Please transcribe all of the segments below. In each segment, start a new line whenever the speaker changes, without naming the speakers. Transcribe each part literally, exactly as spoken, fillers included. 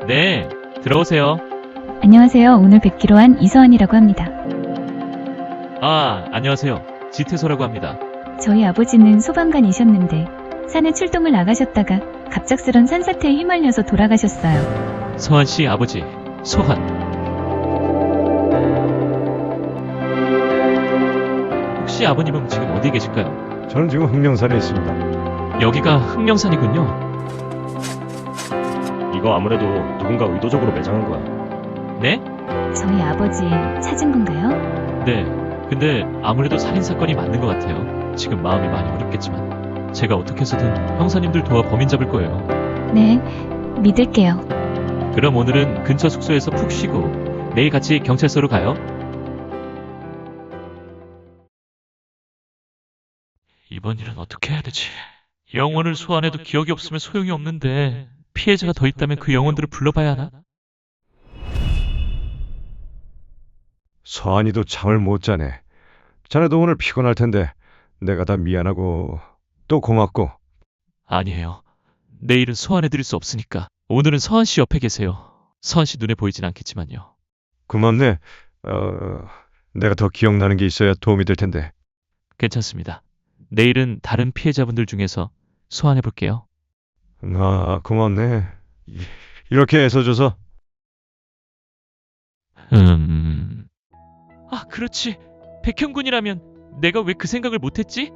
네, 들어오세요.
안녕하세요. 오늘 뵙기로 한 이서한이라고 합니다.
아, 안녕하세요. 지태소라고 합니다.
저희 아버지는 소방관이셨는데 산에 출동을 나가셨다가 갑작스런 산사태에 휘말려서 돌아가셨어요.
서한 씨 아버지, 소한. 혹시 아버님은 지금 어디 계실까요?
저는 지금 흑령산에 있습니다.
여기가 흑령산이군요.
이거 아무래도 누군가 의도적으로 매장한 거야.
네?
저희 아버지 찾은 건가요?
네. 근데 아무래도 살인사건이 맞는 것 같아요. 지금 마음이 많이 어렵겠지만 제가 어떻게 해서든 형사님들 도와 범인 잡을 거예요.
네, 믿을게요.
그럼 오늘은 근처 숙소에서 푹 쉬고 내일 같이 경찰서로 가요. 이번 일은 어떻게 해야 되지? 영혼을 소환해도 기억이 없으면 소용이 없는데 피해자가 더 있다면 그 영혼들을 불러봐야 하나?
서한이도 잠을 못 자네. 자네도 오늘 피곤할 텐데 내가 다 미안하고 또 고맙고.
아니에요. 내일은 소환해드릴 수 없으니까 오늘은 서한 씨 옆에 계세요. 서한 씨 눈에 보이진 않겠지만요.
고맙네. 어, 내가 더 기억나는 게 있어야 도움이 될 텐데.
괜찮습니다. 내일은 다른 피해자분들 중에서 소환해볼게요.
아, 고맙네. 이- 이렇게 애써줘서.
음... 아, 그렇지. 백형군이라면 내가 왜 그 생각을 못했지?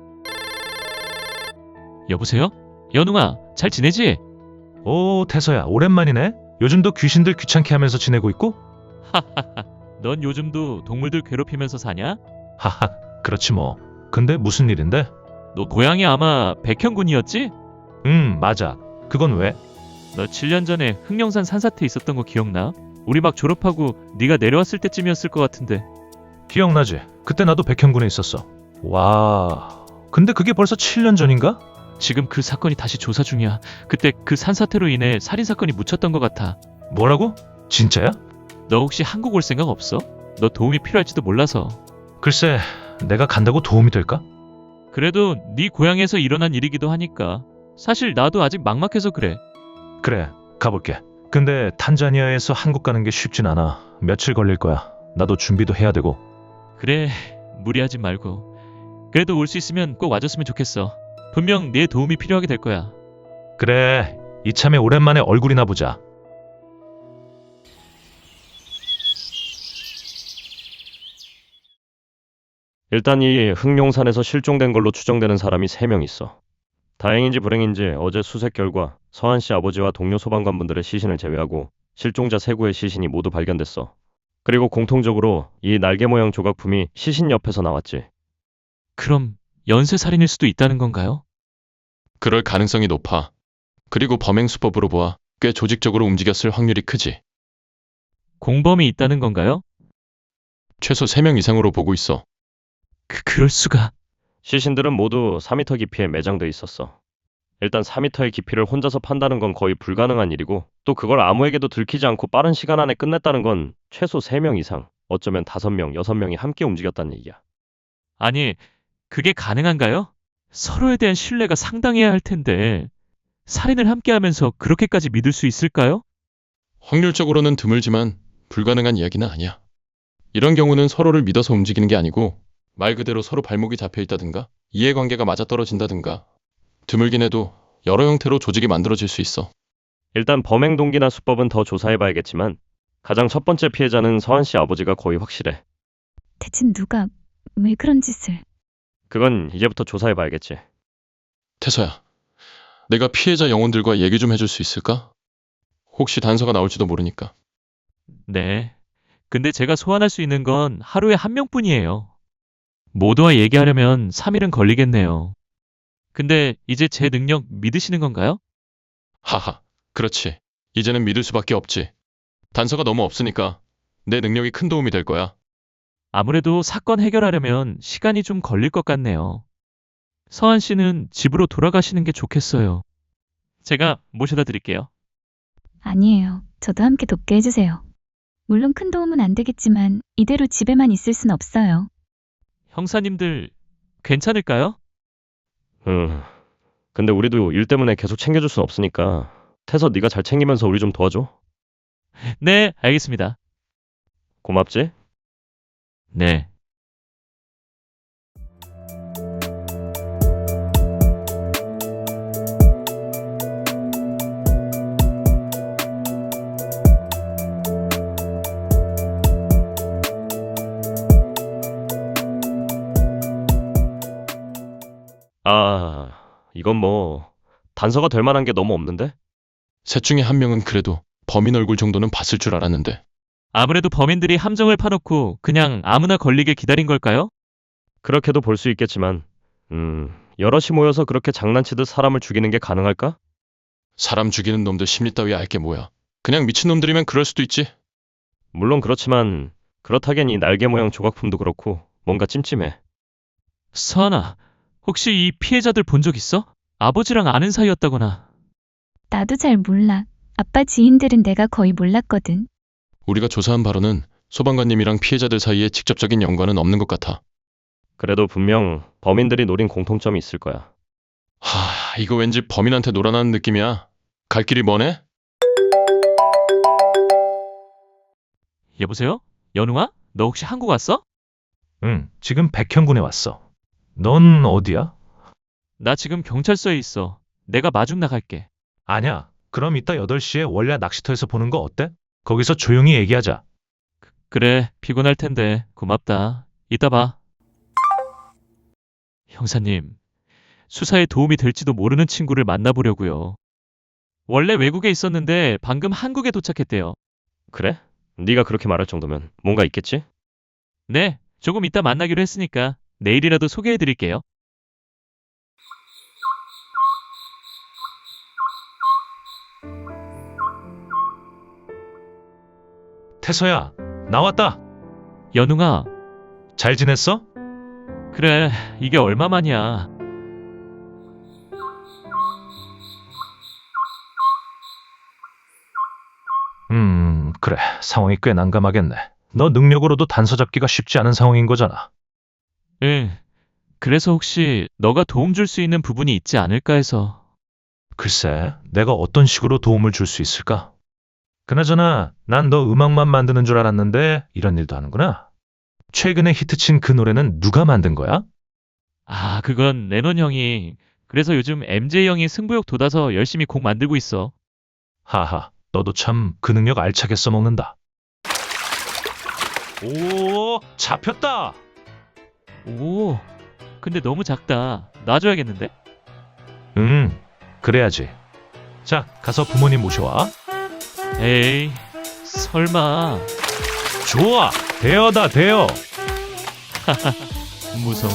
여보세요? 연웅아, 잘 지내지?
오, 태서야, 오랜만이네. 요즘도 귀신들 귀찮게 하면서 지내고 있고?
넌 요즘도 동물들 괴롭히면서 사냐?
하하, 그렇지 뭐. 근데 무슨 일인데?
너 고향이 아마 백형군이었지?
음, 맞아. 그건 왜?
너 칠 년 전에 흑령산 산사태 있었던 거 기억나? 우리 막 졸업하고 네가 내려왔을 때쯤이었을 것 같은데.
기억나지? 그때 나도 백현군에 있었어. 와, 근데 그게 벌써 칠 년 전인가?
지금 그 사건이 다시 조사 중이야. 그때 그 산사태로 인해 살인사건이 묻혔던 것 같아.
뭐라고? 진짜야?
너 혹시 한국 올 생각 없어? 너 도움이 필요할지도 몰라서.
글쎄, 내가 간다고 도움이 될까?
그래도 네 고향에서 일어난 일이기도 하니까. 사실 나도 아직 막막해서 그래.
그래, 가볼게. 근데 탄자니아에서 한국 가는 게 쉽진 않아. 며칠 걸릴 거야. 나도 준비도 해야 되고.
그래, 무리하지 말고. 그래도 올 수 있으면 꼭 와줬으면 좋겠어. 분명 네 도움이 필요하게 될 거야.
그래, 이참에 오랜만에 얼굴이나 보자.
일단 이 흑룡산에서 실종된 걸로 추정되는 사람이 세 명 있어. 다행인지 불행인지 어제 수색 결과 서한 씨 아버지와 동료 소방관분들의 시신을 제외하고 실종자 세 구의 시신이 모두 발견됐어. 그리고 공통적으로 이 날개 모양 조각품이 시신 옆에서 나왔지.
그럼 연쇄살인일 수도 있다는 건가요?
그럴 가능성이 높아. 그리고 범행 수법으로 보아 꽤 조직적으로 움직였을 확률이 크지.
공범이 있다는 건가요?
최소 세 명 이상으로 보고 있어.
그, 그럴 수가.
시신들은 모두 사 미터 깊이에 매장돼 있었어. 일단 사 미터의 깊이를 혼자서 판다는 건 거의 불가능한 일이고 또 그걸 아무에게도 들키지 않고 빠른 시간 안에 끝냈다는 건 최소 세 명 이상, 어쩌면 다섯 명, 여섯 명이 함께 움직였다는 얘기야.
아니, 그게 가능한가요? 서로에 대한 신뢰가 상당해야 할 텐데 살인을 함께 하면서 그렇게까지 믿을 수 있을까요?
확률적으로는 드물지만 불가능한 이야기는 아니야. 이런 경우는 서로를 믿어서 움직이는 게 아니고 말 그대로 서로 발목이 잡혀 있다든가 이해관계가 맞아떨어진다든가 드물긴 해도 여러 형태로 조직이 만들어질 수 있어.
일단 범행 동기나 수법은 더 조사해봐야겠지만 가장 첫 번째 피해자는 서한 씨 아버지가 거의 확실해.
대체 누가 왜 그런 짓을?
그건 이제부터 조사해봐야겠지.
태서야, 내가 피해자 영혼들과 얘기 좀 해줄 수 있을까? 혹시 단서가 나올지도 모르니까.
네. 근데 제가 소환할 수 있는 건 하루에 한 명뿐이에요. 모두와 얘기하려면 삼 일은 걸리겠네요. 근데 이제 제 능력 믿으시는 건가요?
하하, 그렇지. 이제는 믿을 수밖에 없지. 단서가 너무 없으니까 내 능력이 큰 도움이 될 거야.
아무래도 사건 해결하려면 시간이 좀 걸릴 것 같네요. 서한 씨는 집으로 돌아가시는 게 좋겠어요. 제가 모셔다 드릴게요.
아니에요. 저도 함께 돕게 해주세요. 물론 큰 도움은 안 되겠지만 이대로 집에만 있을 순 없어요.
형사님들 괜찮을까요?
음. 근데 우리도 일 때문에 계속 챙겨줄 순 없으니까 태서 네가 잘 챙기면서 우리 좀 도와줘.
네, 알겠습니다.
고맙지?
네.
아, 이건 뭐 단서가 될 만한 게 너무 없는데?
셋 중에 한 명은 그래도 범인 얼굴 정도는 봤을 줄 알았는데.
아무래도 범인들이 함정을 파놓고 그냥 아무나 걸리게 기다린 걸까요?
그렇게도 볼 수 있겠지만, 음, 여럿이 모여서 그렇게 장난치듯 사람을 죽이는 게 가능할까?
사람 죽이는 놈들 심리 따위 알게 뭐야. 그냥 미친놈들이면 그럴 수도 있지.
물론 그렇지만 그렇다기엔 이 날개 모양 조각품도 그렇고 뭔가 찜찜해.
서하나, 혹시 이 피해자들 본 적 있어? 아버지랑 아는 사이였다거나.
나도 잘 몰라. 아빠 지인들은 내가 거의 몰랐거든.
우리가 조사한 바로는 소방관님이랑 피해자들 사이에 직접적인 연관은 없는 것 같아.
그래도 분명 범인들이 노린 공통점이 있을 거야.
하, 이거 왠지 범인한테 놀아나는 느낌이야. 갈 길이 머네?
여보세요? 연웅아? 너 혹시 한국 왔어?
응, 지금 백현군에 왔어. 넌 어디야?
나 지금 경찰서에 있어. 내가 마중 나갈게.
아냐, 그럼 이따 여덟 시에 월야 낚시터에서 보는 거 어때? 거기서 조용히 얘기하자.
그래, 피곤할 텐데 고맙다. 이따 봐. 형사님, 수사에 도움이 될지도 모르는 친구를 만나보려고요. 원래 외국에 있었는데 방금 한국에 도착했대요.
그래? 네가 그렇게 말할 정도면 뭔가 있겠지?
네, 조금 이따 만나기로 했으니까 내일이라도 소개해드릴게요.
태서야, 나왔다.
연웅아,
잘 지냈어?
그래, 이게 얼마만이야.
음, 그래. 상황이 꽤 난감하겠네. 너 능력으로도 단서 잡기가 쉽지 않은 상황인 거잖아.
응, 그래서 혹시 너가 도움 줄 수 있는 부분이 있지 않을까 해서.
글쎄, 내가 어떤 식으로 도움을 줄 수 있을까? 그나저나, 난 너 음악만 만드는 줄 알았는데 이런 일도 하는구나. 최근에 히트친 그 노래는 누가 만든 거야?
아, 그건 레논 형이. 그래서 요즘 엠제이 형이 승부욕 돋아서 열심히 곡 만들고 있어.
하하, 너도 참 그 능력 알차게 써먹는다. 오, 잡혔다.
오, 근데 너무 작다. 놔줘야겠는데?
응, 그래야지. 자, 가서 부모님 모셔와.
에이, 설마.
좋아, 대여다 대여.
무서워.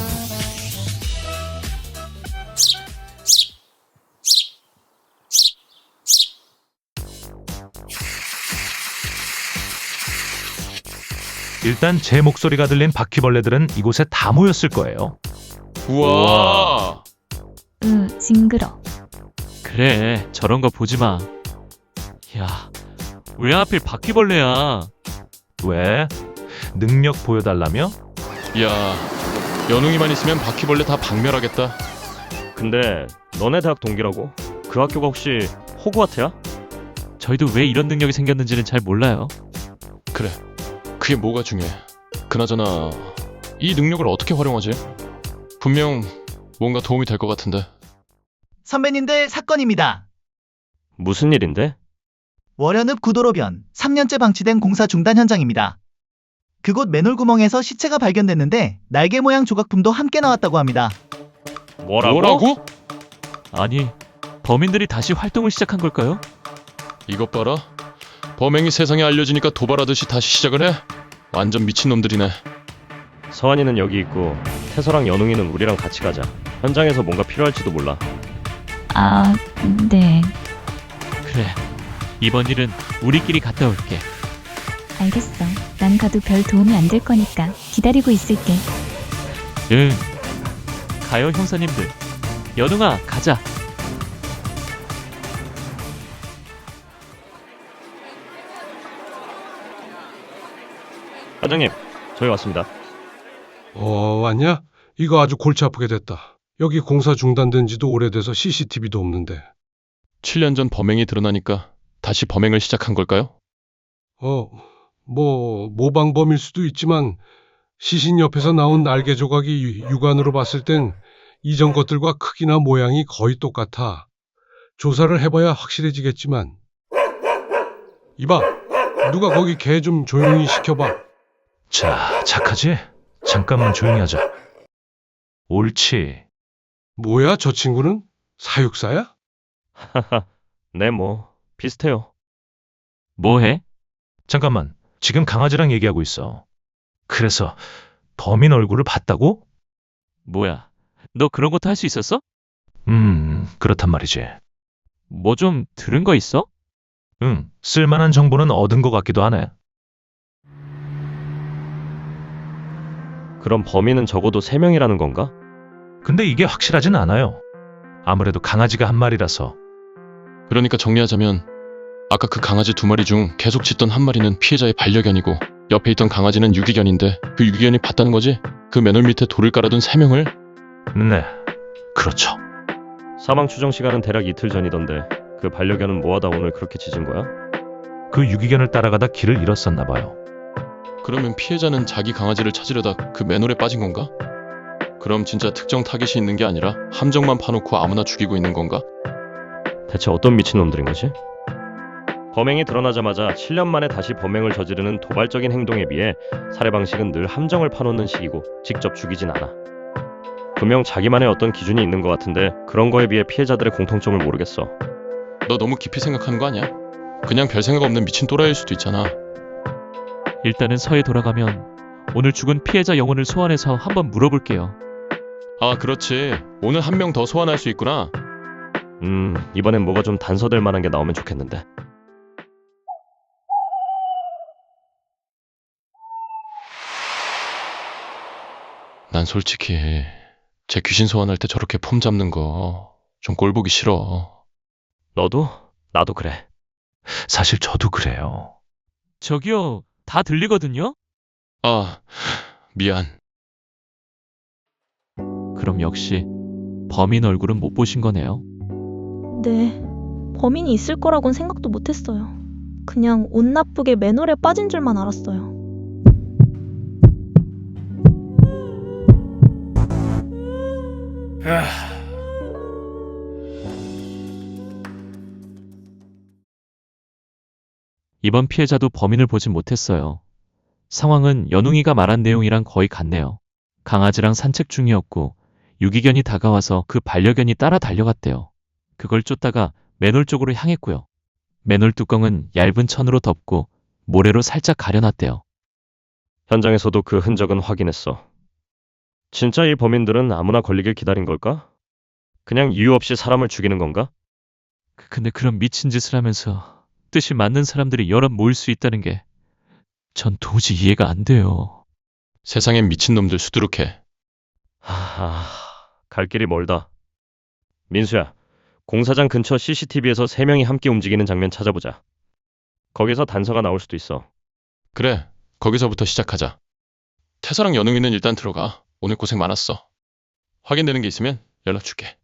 일단 제 목소리가 들린 바퀴벌레들은 이곳에 다 모였을 거예요.
우와.
으, 징그러.
그래, 저런 거 보지 마. 야, 왜 하필 바퀴벌레야?
왜? 능력 보여달라며?
야, 연웅이만 있으면 바퀴벌레 다 박멸하겠다.
근데 너네 대학 동기라고? 그 학교가 혹시 호그와트야?
저희도 왜 이런 능력이 생겼는지는 잘 몰라요.
그래, 그게 뭐가 중요해. 그나저나 이 능력을 어떻게 활용하지? 분명 뭔가 도움이 될 것 같은데.
선배님들 사건입니다.
무슨 일인데?
월현읍 구도로변 삼 년째 방치된 공사 중단 현장입니다. 그곳 맨홀구멍에서 시체가 발견됐는데 날개 모양 조각품도 함께 나왔다고 합니다.
뭐라고?
뭐라고?
아니, 범인들이 다시 활동을 시작한 걸까요?
이것 봐라. 범행이 세상에 알려지니까 도발하듯이 다시 시작을 해. 완전 미친놈들이네.
서한이는 여기 있고 태서랑 연웅이는 우리랑 같이 가자. 현장에서 뭔가 필요할지도 몰라.
아, 네.
그래, 이번 일은 우리끼리 갔다 올게.
알겠어. 난 가도 별 도움이 안 될 거니까 기다리고 있을게.
응. 가요, 형사님들. 연웅아, 가자.
과장님, 저희 왔습니다.
어, 왔냐? 이거 아주 골치 아프게 됐다. 여기 공사 중단된 지도 오래돼서 씨씨티비도 없는데.
칠 년 전 범행이 드러나니까 다시 범행을 시작한 걸까요?
어, 뭐, 모방범일 수도 있지만, 시신 옆에서 나온 날개 조각이 유- 육안으로 봤을 땐 이전 것들과 크기나 모양이 거의 똑같아. 조사를 해봐야 확실해지겠지만. 이봐, 누가 거기 개 좀 조용히 시켜봐.
자, 착하지? 잠깐만 조용히 하자. 옳지.
뭐야, 저 친구는? 사육사야?
하하, 네, 뭐, 비슷해요.
뭐 해?
잠깐만. 지금 강아지랑 얘기하고 있어. 그래서 범인 얼굴을 봤다고?
뭐야? 너 그런 것도 할 수 있었어?
음, 그렇단 말이지.
뭐 좀 들은 거 있어?
응, 쓸만한 정보는 얻은 것 같기도 하네.
그럼 범인은 적어도 세 명이라는 건가?
근데 이게 확실하진 않아요. 아무래도 강아지가 한 마리라서.
그러니까 정리하자면 아까 그 강아지 두 마리 중 계속 짖던 한 마리는 피해자의 반려견이고 옆에 있던 강아지는 유기견인데 그 유기견이 봤다는 거지? 그 맨홀 밑에 돌을 깔아둔 세 명을?
네, 그렇죠.
사망 추정 시간은 대략 이틀 전이던데 그 반려견은 뭐하다 오늘 그렇게 짖은 거야?
그 유기견을 따라가다 길을 잃었었나 봐요.
그러면 피해자는 자기 강아지를 찾으려다 그 맨홀에 빠진 건가? 그럼 진짜 특정 타깃이 있는 게 아니라 함정만 파놓고 아무나 죽이고 있는 건가?
대체 어떤 미친놈들인 거지? 범행이 드러나자마자 칠 년 만에 다시 범행을 저지르는 도발적인 행동에 비해 살해 방식은 늘 함정을 파놓는 식이고 직접 죽이진 않아. 분명 자기만의 어떤 기준이 있는 것 같은데 그런 거에 비해 피해자들의 공통점을 모르겠어.
너 너무 깊이 생각하는 거 아니야? 그냥 별 생각 없는 미친 또라이일 수도 있잖아.
일단은 서에 돌아가면 오늘 죽은 피해자 영혼을 소환해서 한번 물어볼게요.
아, 그렇지. 오늘 한 명 더 소환할 수 있구나.
음, 이번엔 뭐가 좀 단서될 만한 게 나오면 좋겠는데.
난 솔직히 제 귀신 소환할 때 저렇게 폼 잡는 거 좀 꼴보기 싫어.
너도? 나도 그래.
사실 저도 그래요.
저기요, 다 들리거든요?
아, 미안.
그럼 역시 범인 얼굴은 못 보신 거네요.
네, 범인이 있을 거라곤 생각도 못했어요. 그냥 운 나쁘게 맨홀에 빠진 줄만 알았어요.
이번 피해자도 범인을 보진 못했어요. 상황은 연웅이가 말한 내용이랑 거의 같네요. 강아지랑 산책 중이었고 유기견이 다가와서 그 반려견이 따라 달려갔대요. 그걸 쫓다가 맨홀 쪽으로 향했고요. 맨홀 뚜껑은 얇은 천으로 덮고 모래로 살짝 가려놨대요.
현장에서도 그 흔적은 확인했어. 진짜 이 범인들은 아무나 걸리길 기다린 걸까? 그냥 이유 없이 사람을 죽이는 건가?
그- 근데 그런 미친 짓을 하면서 뜻이 맞는 사람들이 여럿 모일 수 있다는 게 전 도저히 이해가 안 돼요.
세상엔 미친놈들 수두룩해.
하... 갈 길이 멀다. 민수야, 공사장 근처 씨씨티비에서 세 명이 함께 움직이는 장면 찾아보자. 거기서 단서가 나올 수도 있어.
그래, 거기서부터 시작하자. 태서랑 연웅이는 일단 들어가. 오늘 고생 많았어. 확인되는 게 있으면 연락 줄게.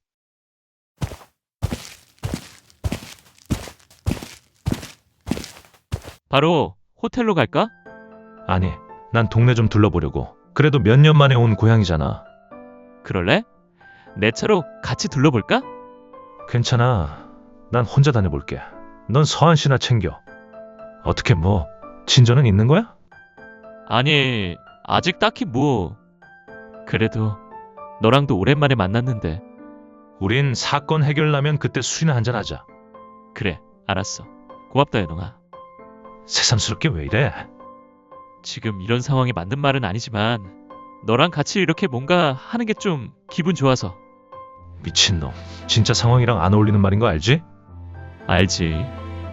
바로 호텔로 갈까?
아니, 난 동네 좀 둘러보려고. 그래도 몇 년 만에 온 고향이잖아.
그럴래? 내 차로 같이 둘러볼까?
괜찮아. 난 혼자 다녀볼게. 넌 서한 씨나 챙겨. 어떻게 뭐, 진전은 있는 거야?
아니, 아직 딱히 뭐. 그래도 너랑도 오랜만에 만났는데.
우린 사건 해결나면 그때 술이나 한잔 하자.
그래, 알았어. 고맙다, 연웅아.
새삼스럽게 왜 이래?
지금 이런 상황에 맞는 말은 아니지만 너랑 같이 이렇게 뭔가 하는 게 좀 기분 좋아서.
미친놈. 진짜 상황이랑 안 어울리는 말인 거 알지?
알지.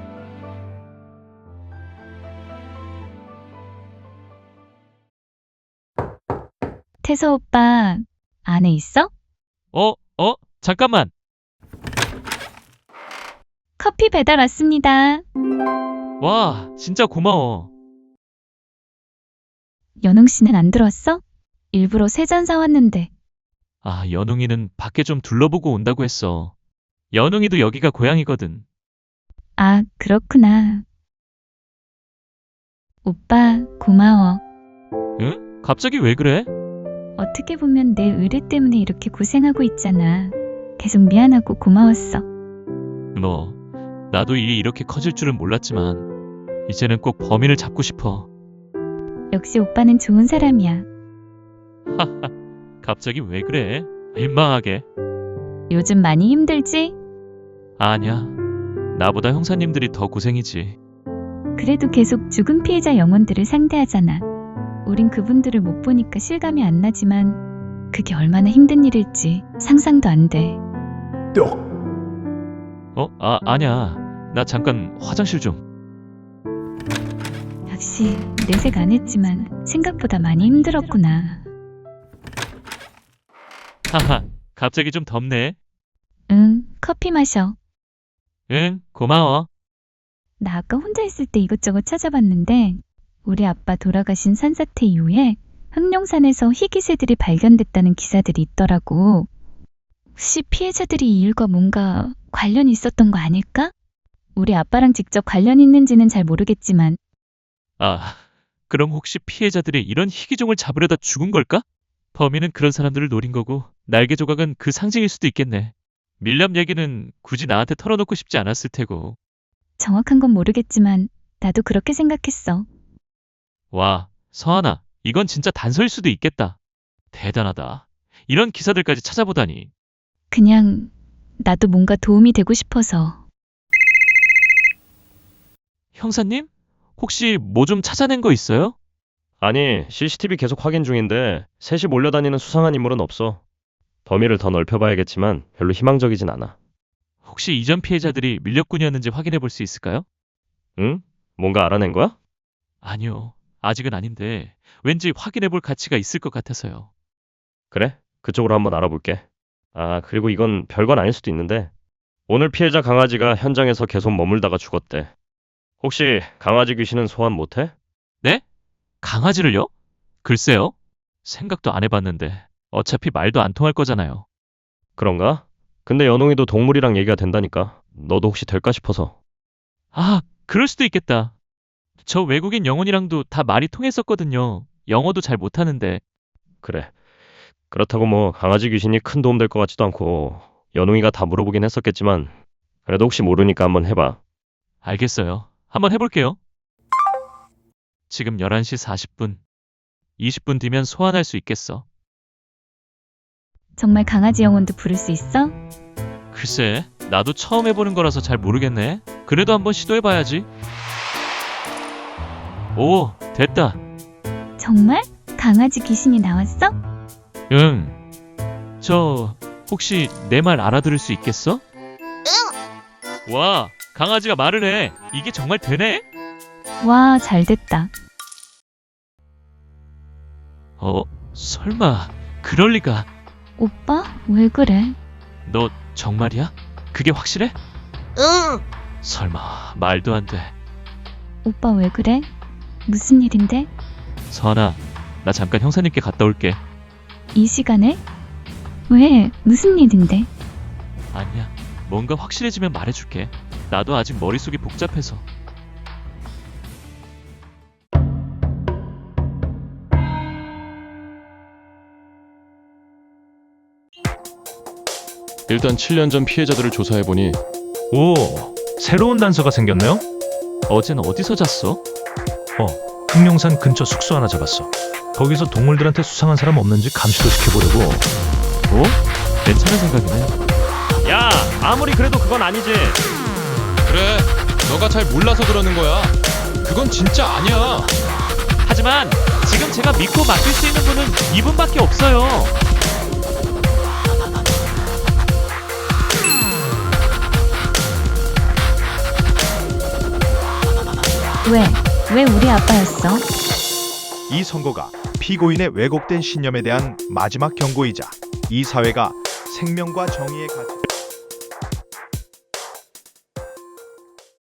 태서 오빠, 안에 있어?
어? 어? 잠깐만.
커피 배달 왔습니다.
와, 진짜 고마워.
연웅 씨는 안 들어왔어? 일부러 세 잔 사왔는데.
아, 연웅이는 밖에 좀 둘러보고 온다고 했어. 연웅이도 여기가 고향이거든.
아, 그렇구나. 오빠, 고마워.
응? 갑자기 왜 그래?
어떻게 보면 내 의뢰 때문에 이렇게 고생하고 있잖아. 계속 미안하고 고마웠어.
뭐, 나도 일이 이렇게 커질 줄은 몰랐지만 이제는 꼭 범인을 잡고 싶어.
역시 오빠는 좋은 사람이야.
하하, 갑자기 왜 그래? 민망하게.
요즘 많이 힘들지?
아니야. 나보다 형사님들이 더 고생이지.
그래도 계속 죽은 피해자 영혼들을 상대하잖아. 우린 그분들을 못 보니까 실감이 안 나지만 그게 얼마나 힘든 일일지 상상도 안 돼.
어? 아, 아니야. 나 잠깐 화장실 좀.
역시 내색 안 했지만 생각보다 많이 힘들었구나.
하하, 갑자기 좀 덥네.
응, 커피 마셔.
응, 고마워.
나 아까 혼자 있을 때 이것저것 찾아봤는데 우리 아빠 돌아가신 산사태 이후에 흑룡산에서 희귀새들이 발견됐다는 기사들이 있더라고. 혹시 피해자들이 이 일과 뭔가 관련이 있었던 거 아닐까? 우리 아빠랑 직접 관련 있는지는 잘 모르겠지만
아, 그럼 혹시 피해자들이 이런 희귀종을 잡으려다 죽은 걸까? 범인은 그런 사람들을 노린 거고 날개 조각은 그 상징일 수도 있겠네. 밀렵 얘기는 굳이 나한테 털어놓고 싶지 않았을 테고.
정확한 건 모르겠지만 나도 그렇게 생각했어.
와, 서하나, 이건 진짜 단서일 수도 있겠다. 대단하다. 이런 기사들까지 찾아보다니.
그냥 나도 뭔가 도움이 되고 싶어서.
형사님? 혹시 뭐 좀 찾아낸 거 있어요?
아니, 씨씨티비 계속 확인 중인데 셋이 몰려다니는 수상한 인물은 없어. 범위를 더 넓혀봐야겠지만 별로 희망적이진 않아.
혹시 이전 피해자들이 밀렵꾼이었는지 확인해 볼 수 있을까요?
응? 뭔가 알아낸 거야?
아니요. 아직은 아닌데 왠지 확인해 볼 가치가 있을 것 같아서요.
그래? 그쪽으로 한번 알아볼게. 아, 그리고 이건 별건 아닐 수도 있는데 오늘 피해자 강아지가 현장에서 계속 머물다가 죽었대. 혹시 강아지 귀신은 소환 못해?
네? 강아지를요? 글쎄요. 생각도 안 해봤는데 어차피 말도 안 통할 거잖아요.
그런가? 근데 연웅이도 동물이랑 얘기가 된다니까. 너도 혹시 될까 싶어서.
아, 그럴 수도 있겠다. 저 외국인 영혼이랑도 다 말이 통했었거든요. 영어도 잘 못하는데.
그래. 그렇다고 뭐 강아지 귀신이 큰 도움 될 것 같지도 않고 연웅이가 다 물어보긴 했었겠지만 그래도 혹시 모르니까 한번 해봐.
알겠어요. 한번 해볼게요. 지금 열한 시 사십 분. 이십 분 뒤면 소환할 수 있겠어.
정말 강아지 영혼도 부를 수 있어?
글쎄, 나도 처음 해보는 거라서 잘 모르겠네. 그래도 한번 시도해봐야지. 오, 됐다.
정말? 강아지 귀신이 나왔어?
응. 저, 혹시 내 말 알아들을 수 있겠어? 응. 와, 강아지가 말을 해. 이게 정말 되네?
와, 잘 됐다.
어, 설마, 그럴 리가.
오빠, 왜 그래?
너 정말이야? 그게 확실해? 응. 설마, 말도 안 돼.
오빠 왜 그래? 무슨 일인데?
서하나, 나 잠깐 형사님께 갔다 올게.
이 시간에? 왜? 무슨 일인데?
아니야. 뭔가 확실해지면 말해줄게. 나도 아직 머릿속이 복잡해서.
일단 칠 년 전 피해자들을 조사해보니
오, 새로운 단서가 생겼네요?
어젠 어디서 잤어?
어, 흑룡산 근처 숙소 하나 잡았어. 거기서 동물들한테 수상한 사람 없는지 감시도 시켜보려고.
어? 괜찮은 생각이네.
야, 아무리 그래도 그건 아니지.
그래, 너가 잘 몰라서 그러는 거야. 그건 진짜 아니야.
하지만 지금 제가 믿고 맡길 수 있는 분은 이분밖에 없어요.
왜? 왜 우리 아빠였어?
이 선고가 피고인의 왜곡된 신념에 대한 마지막 경고이자 이 사회가 생명과 정의의 가치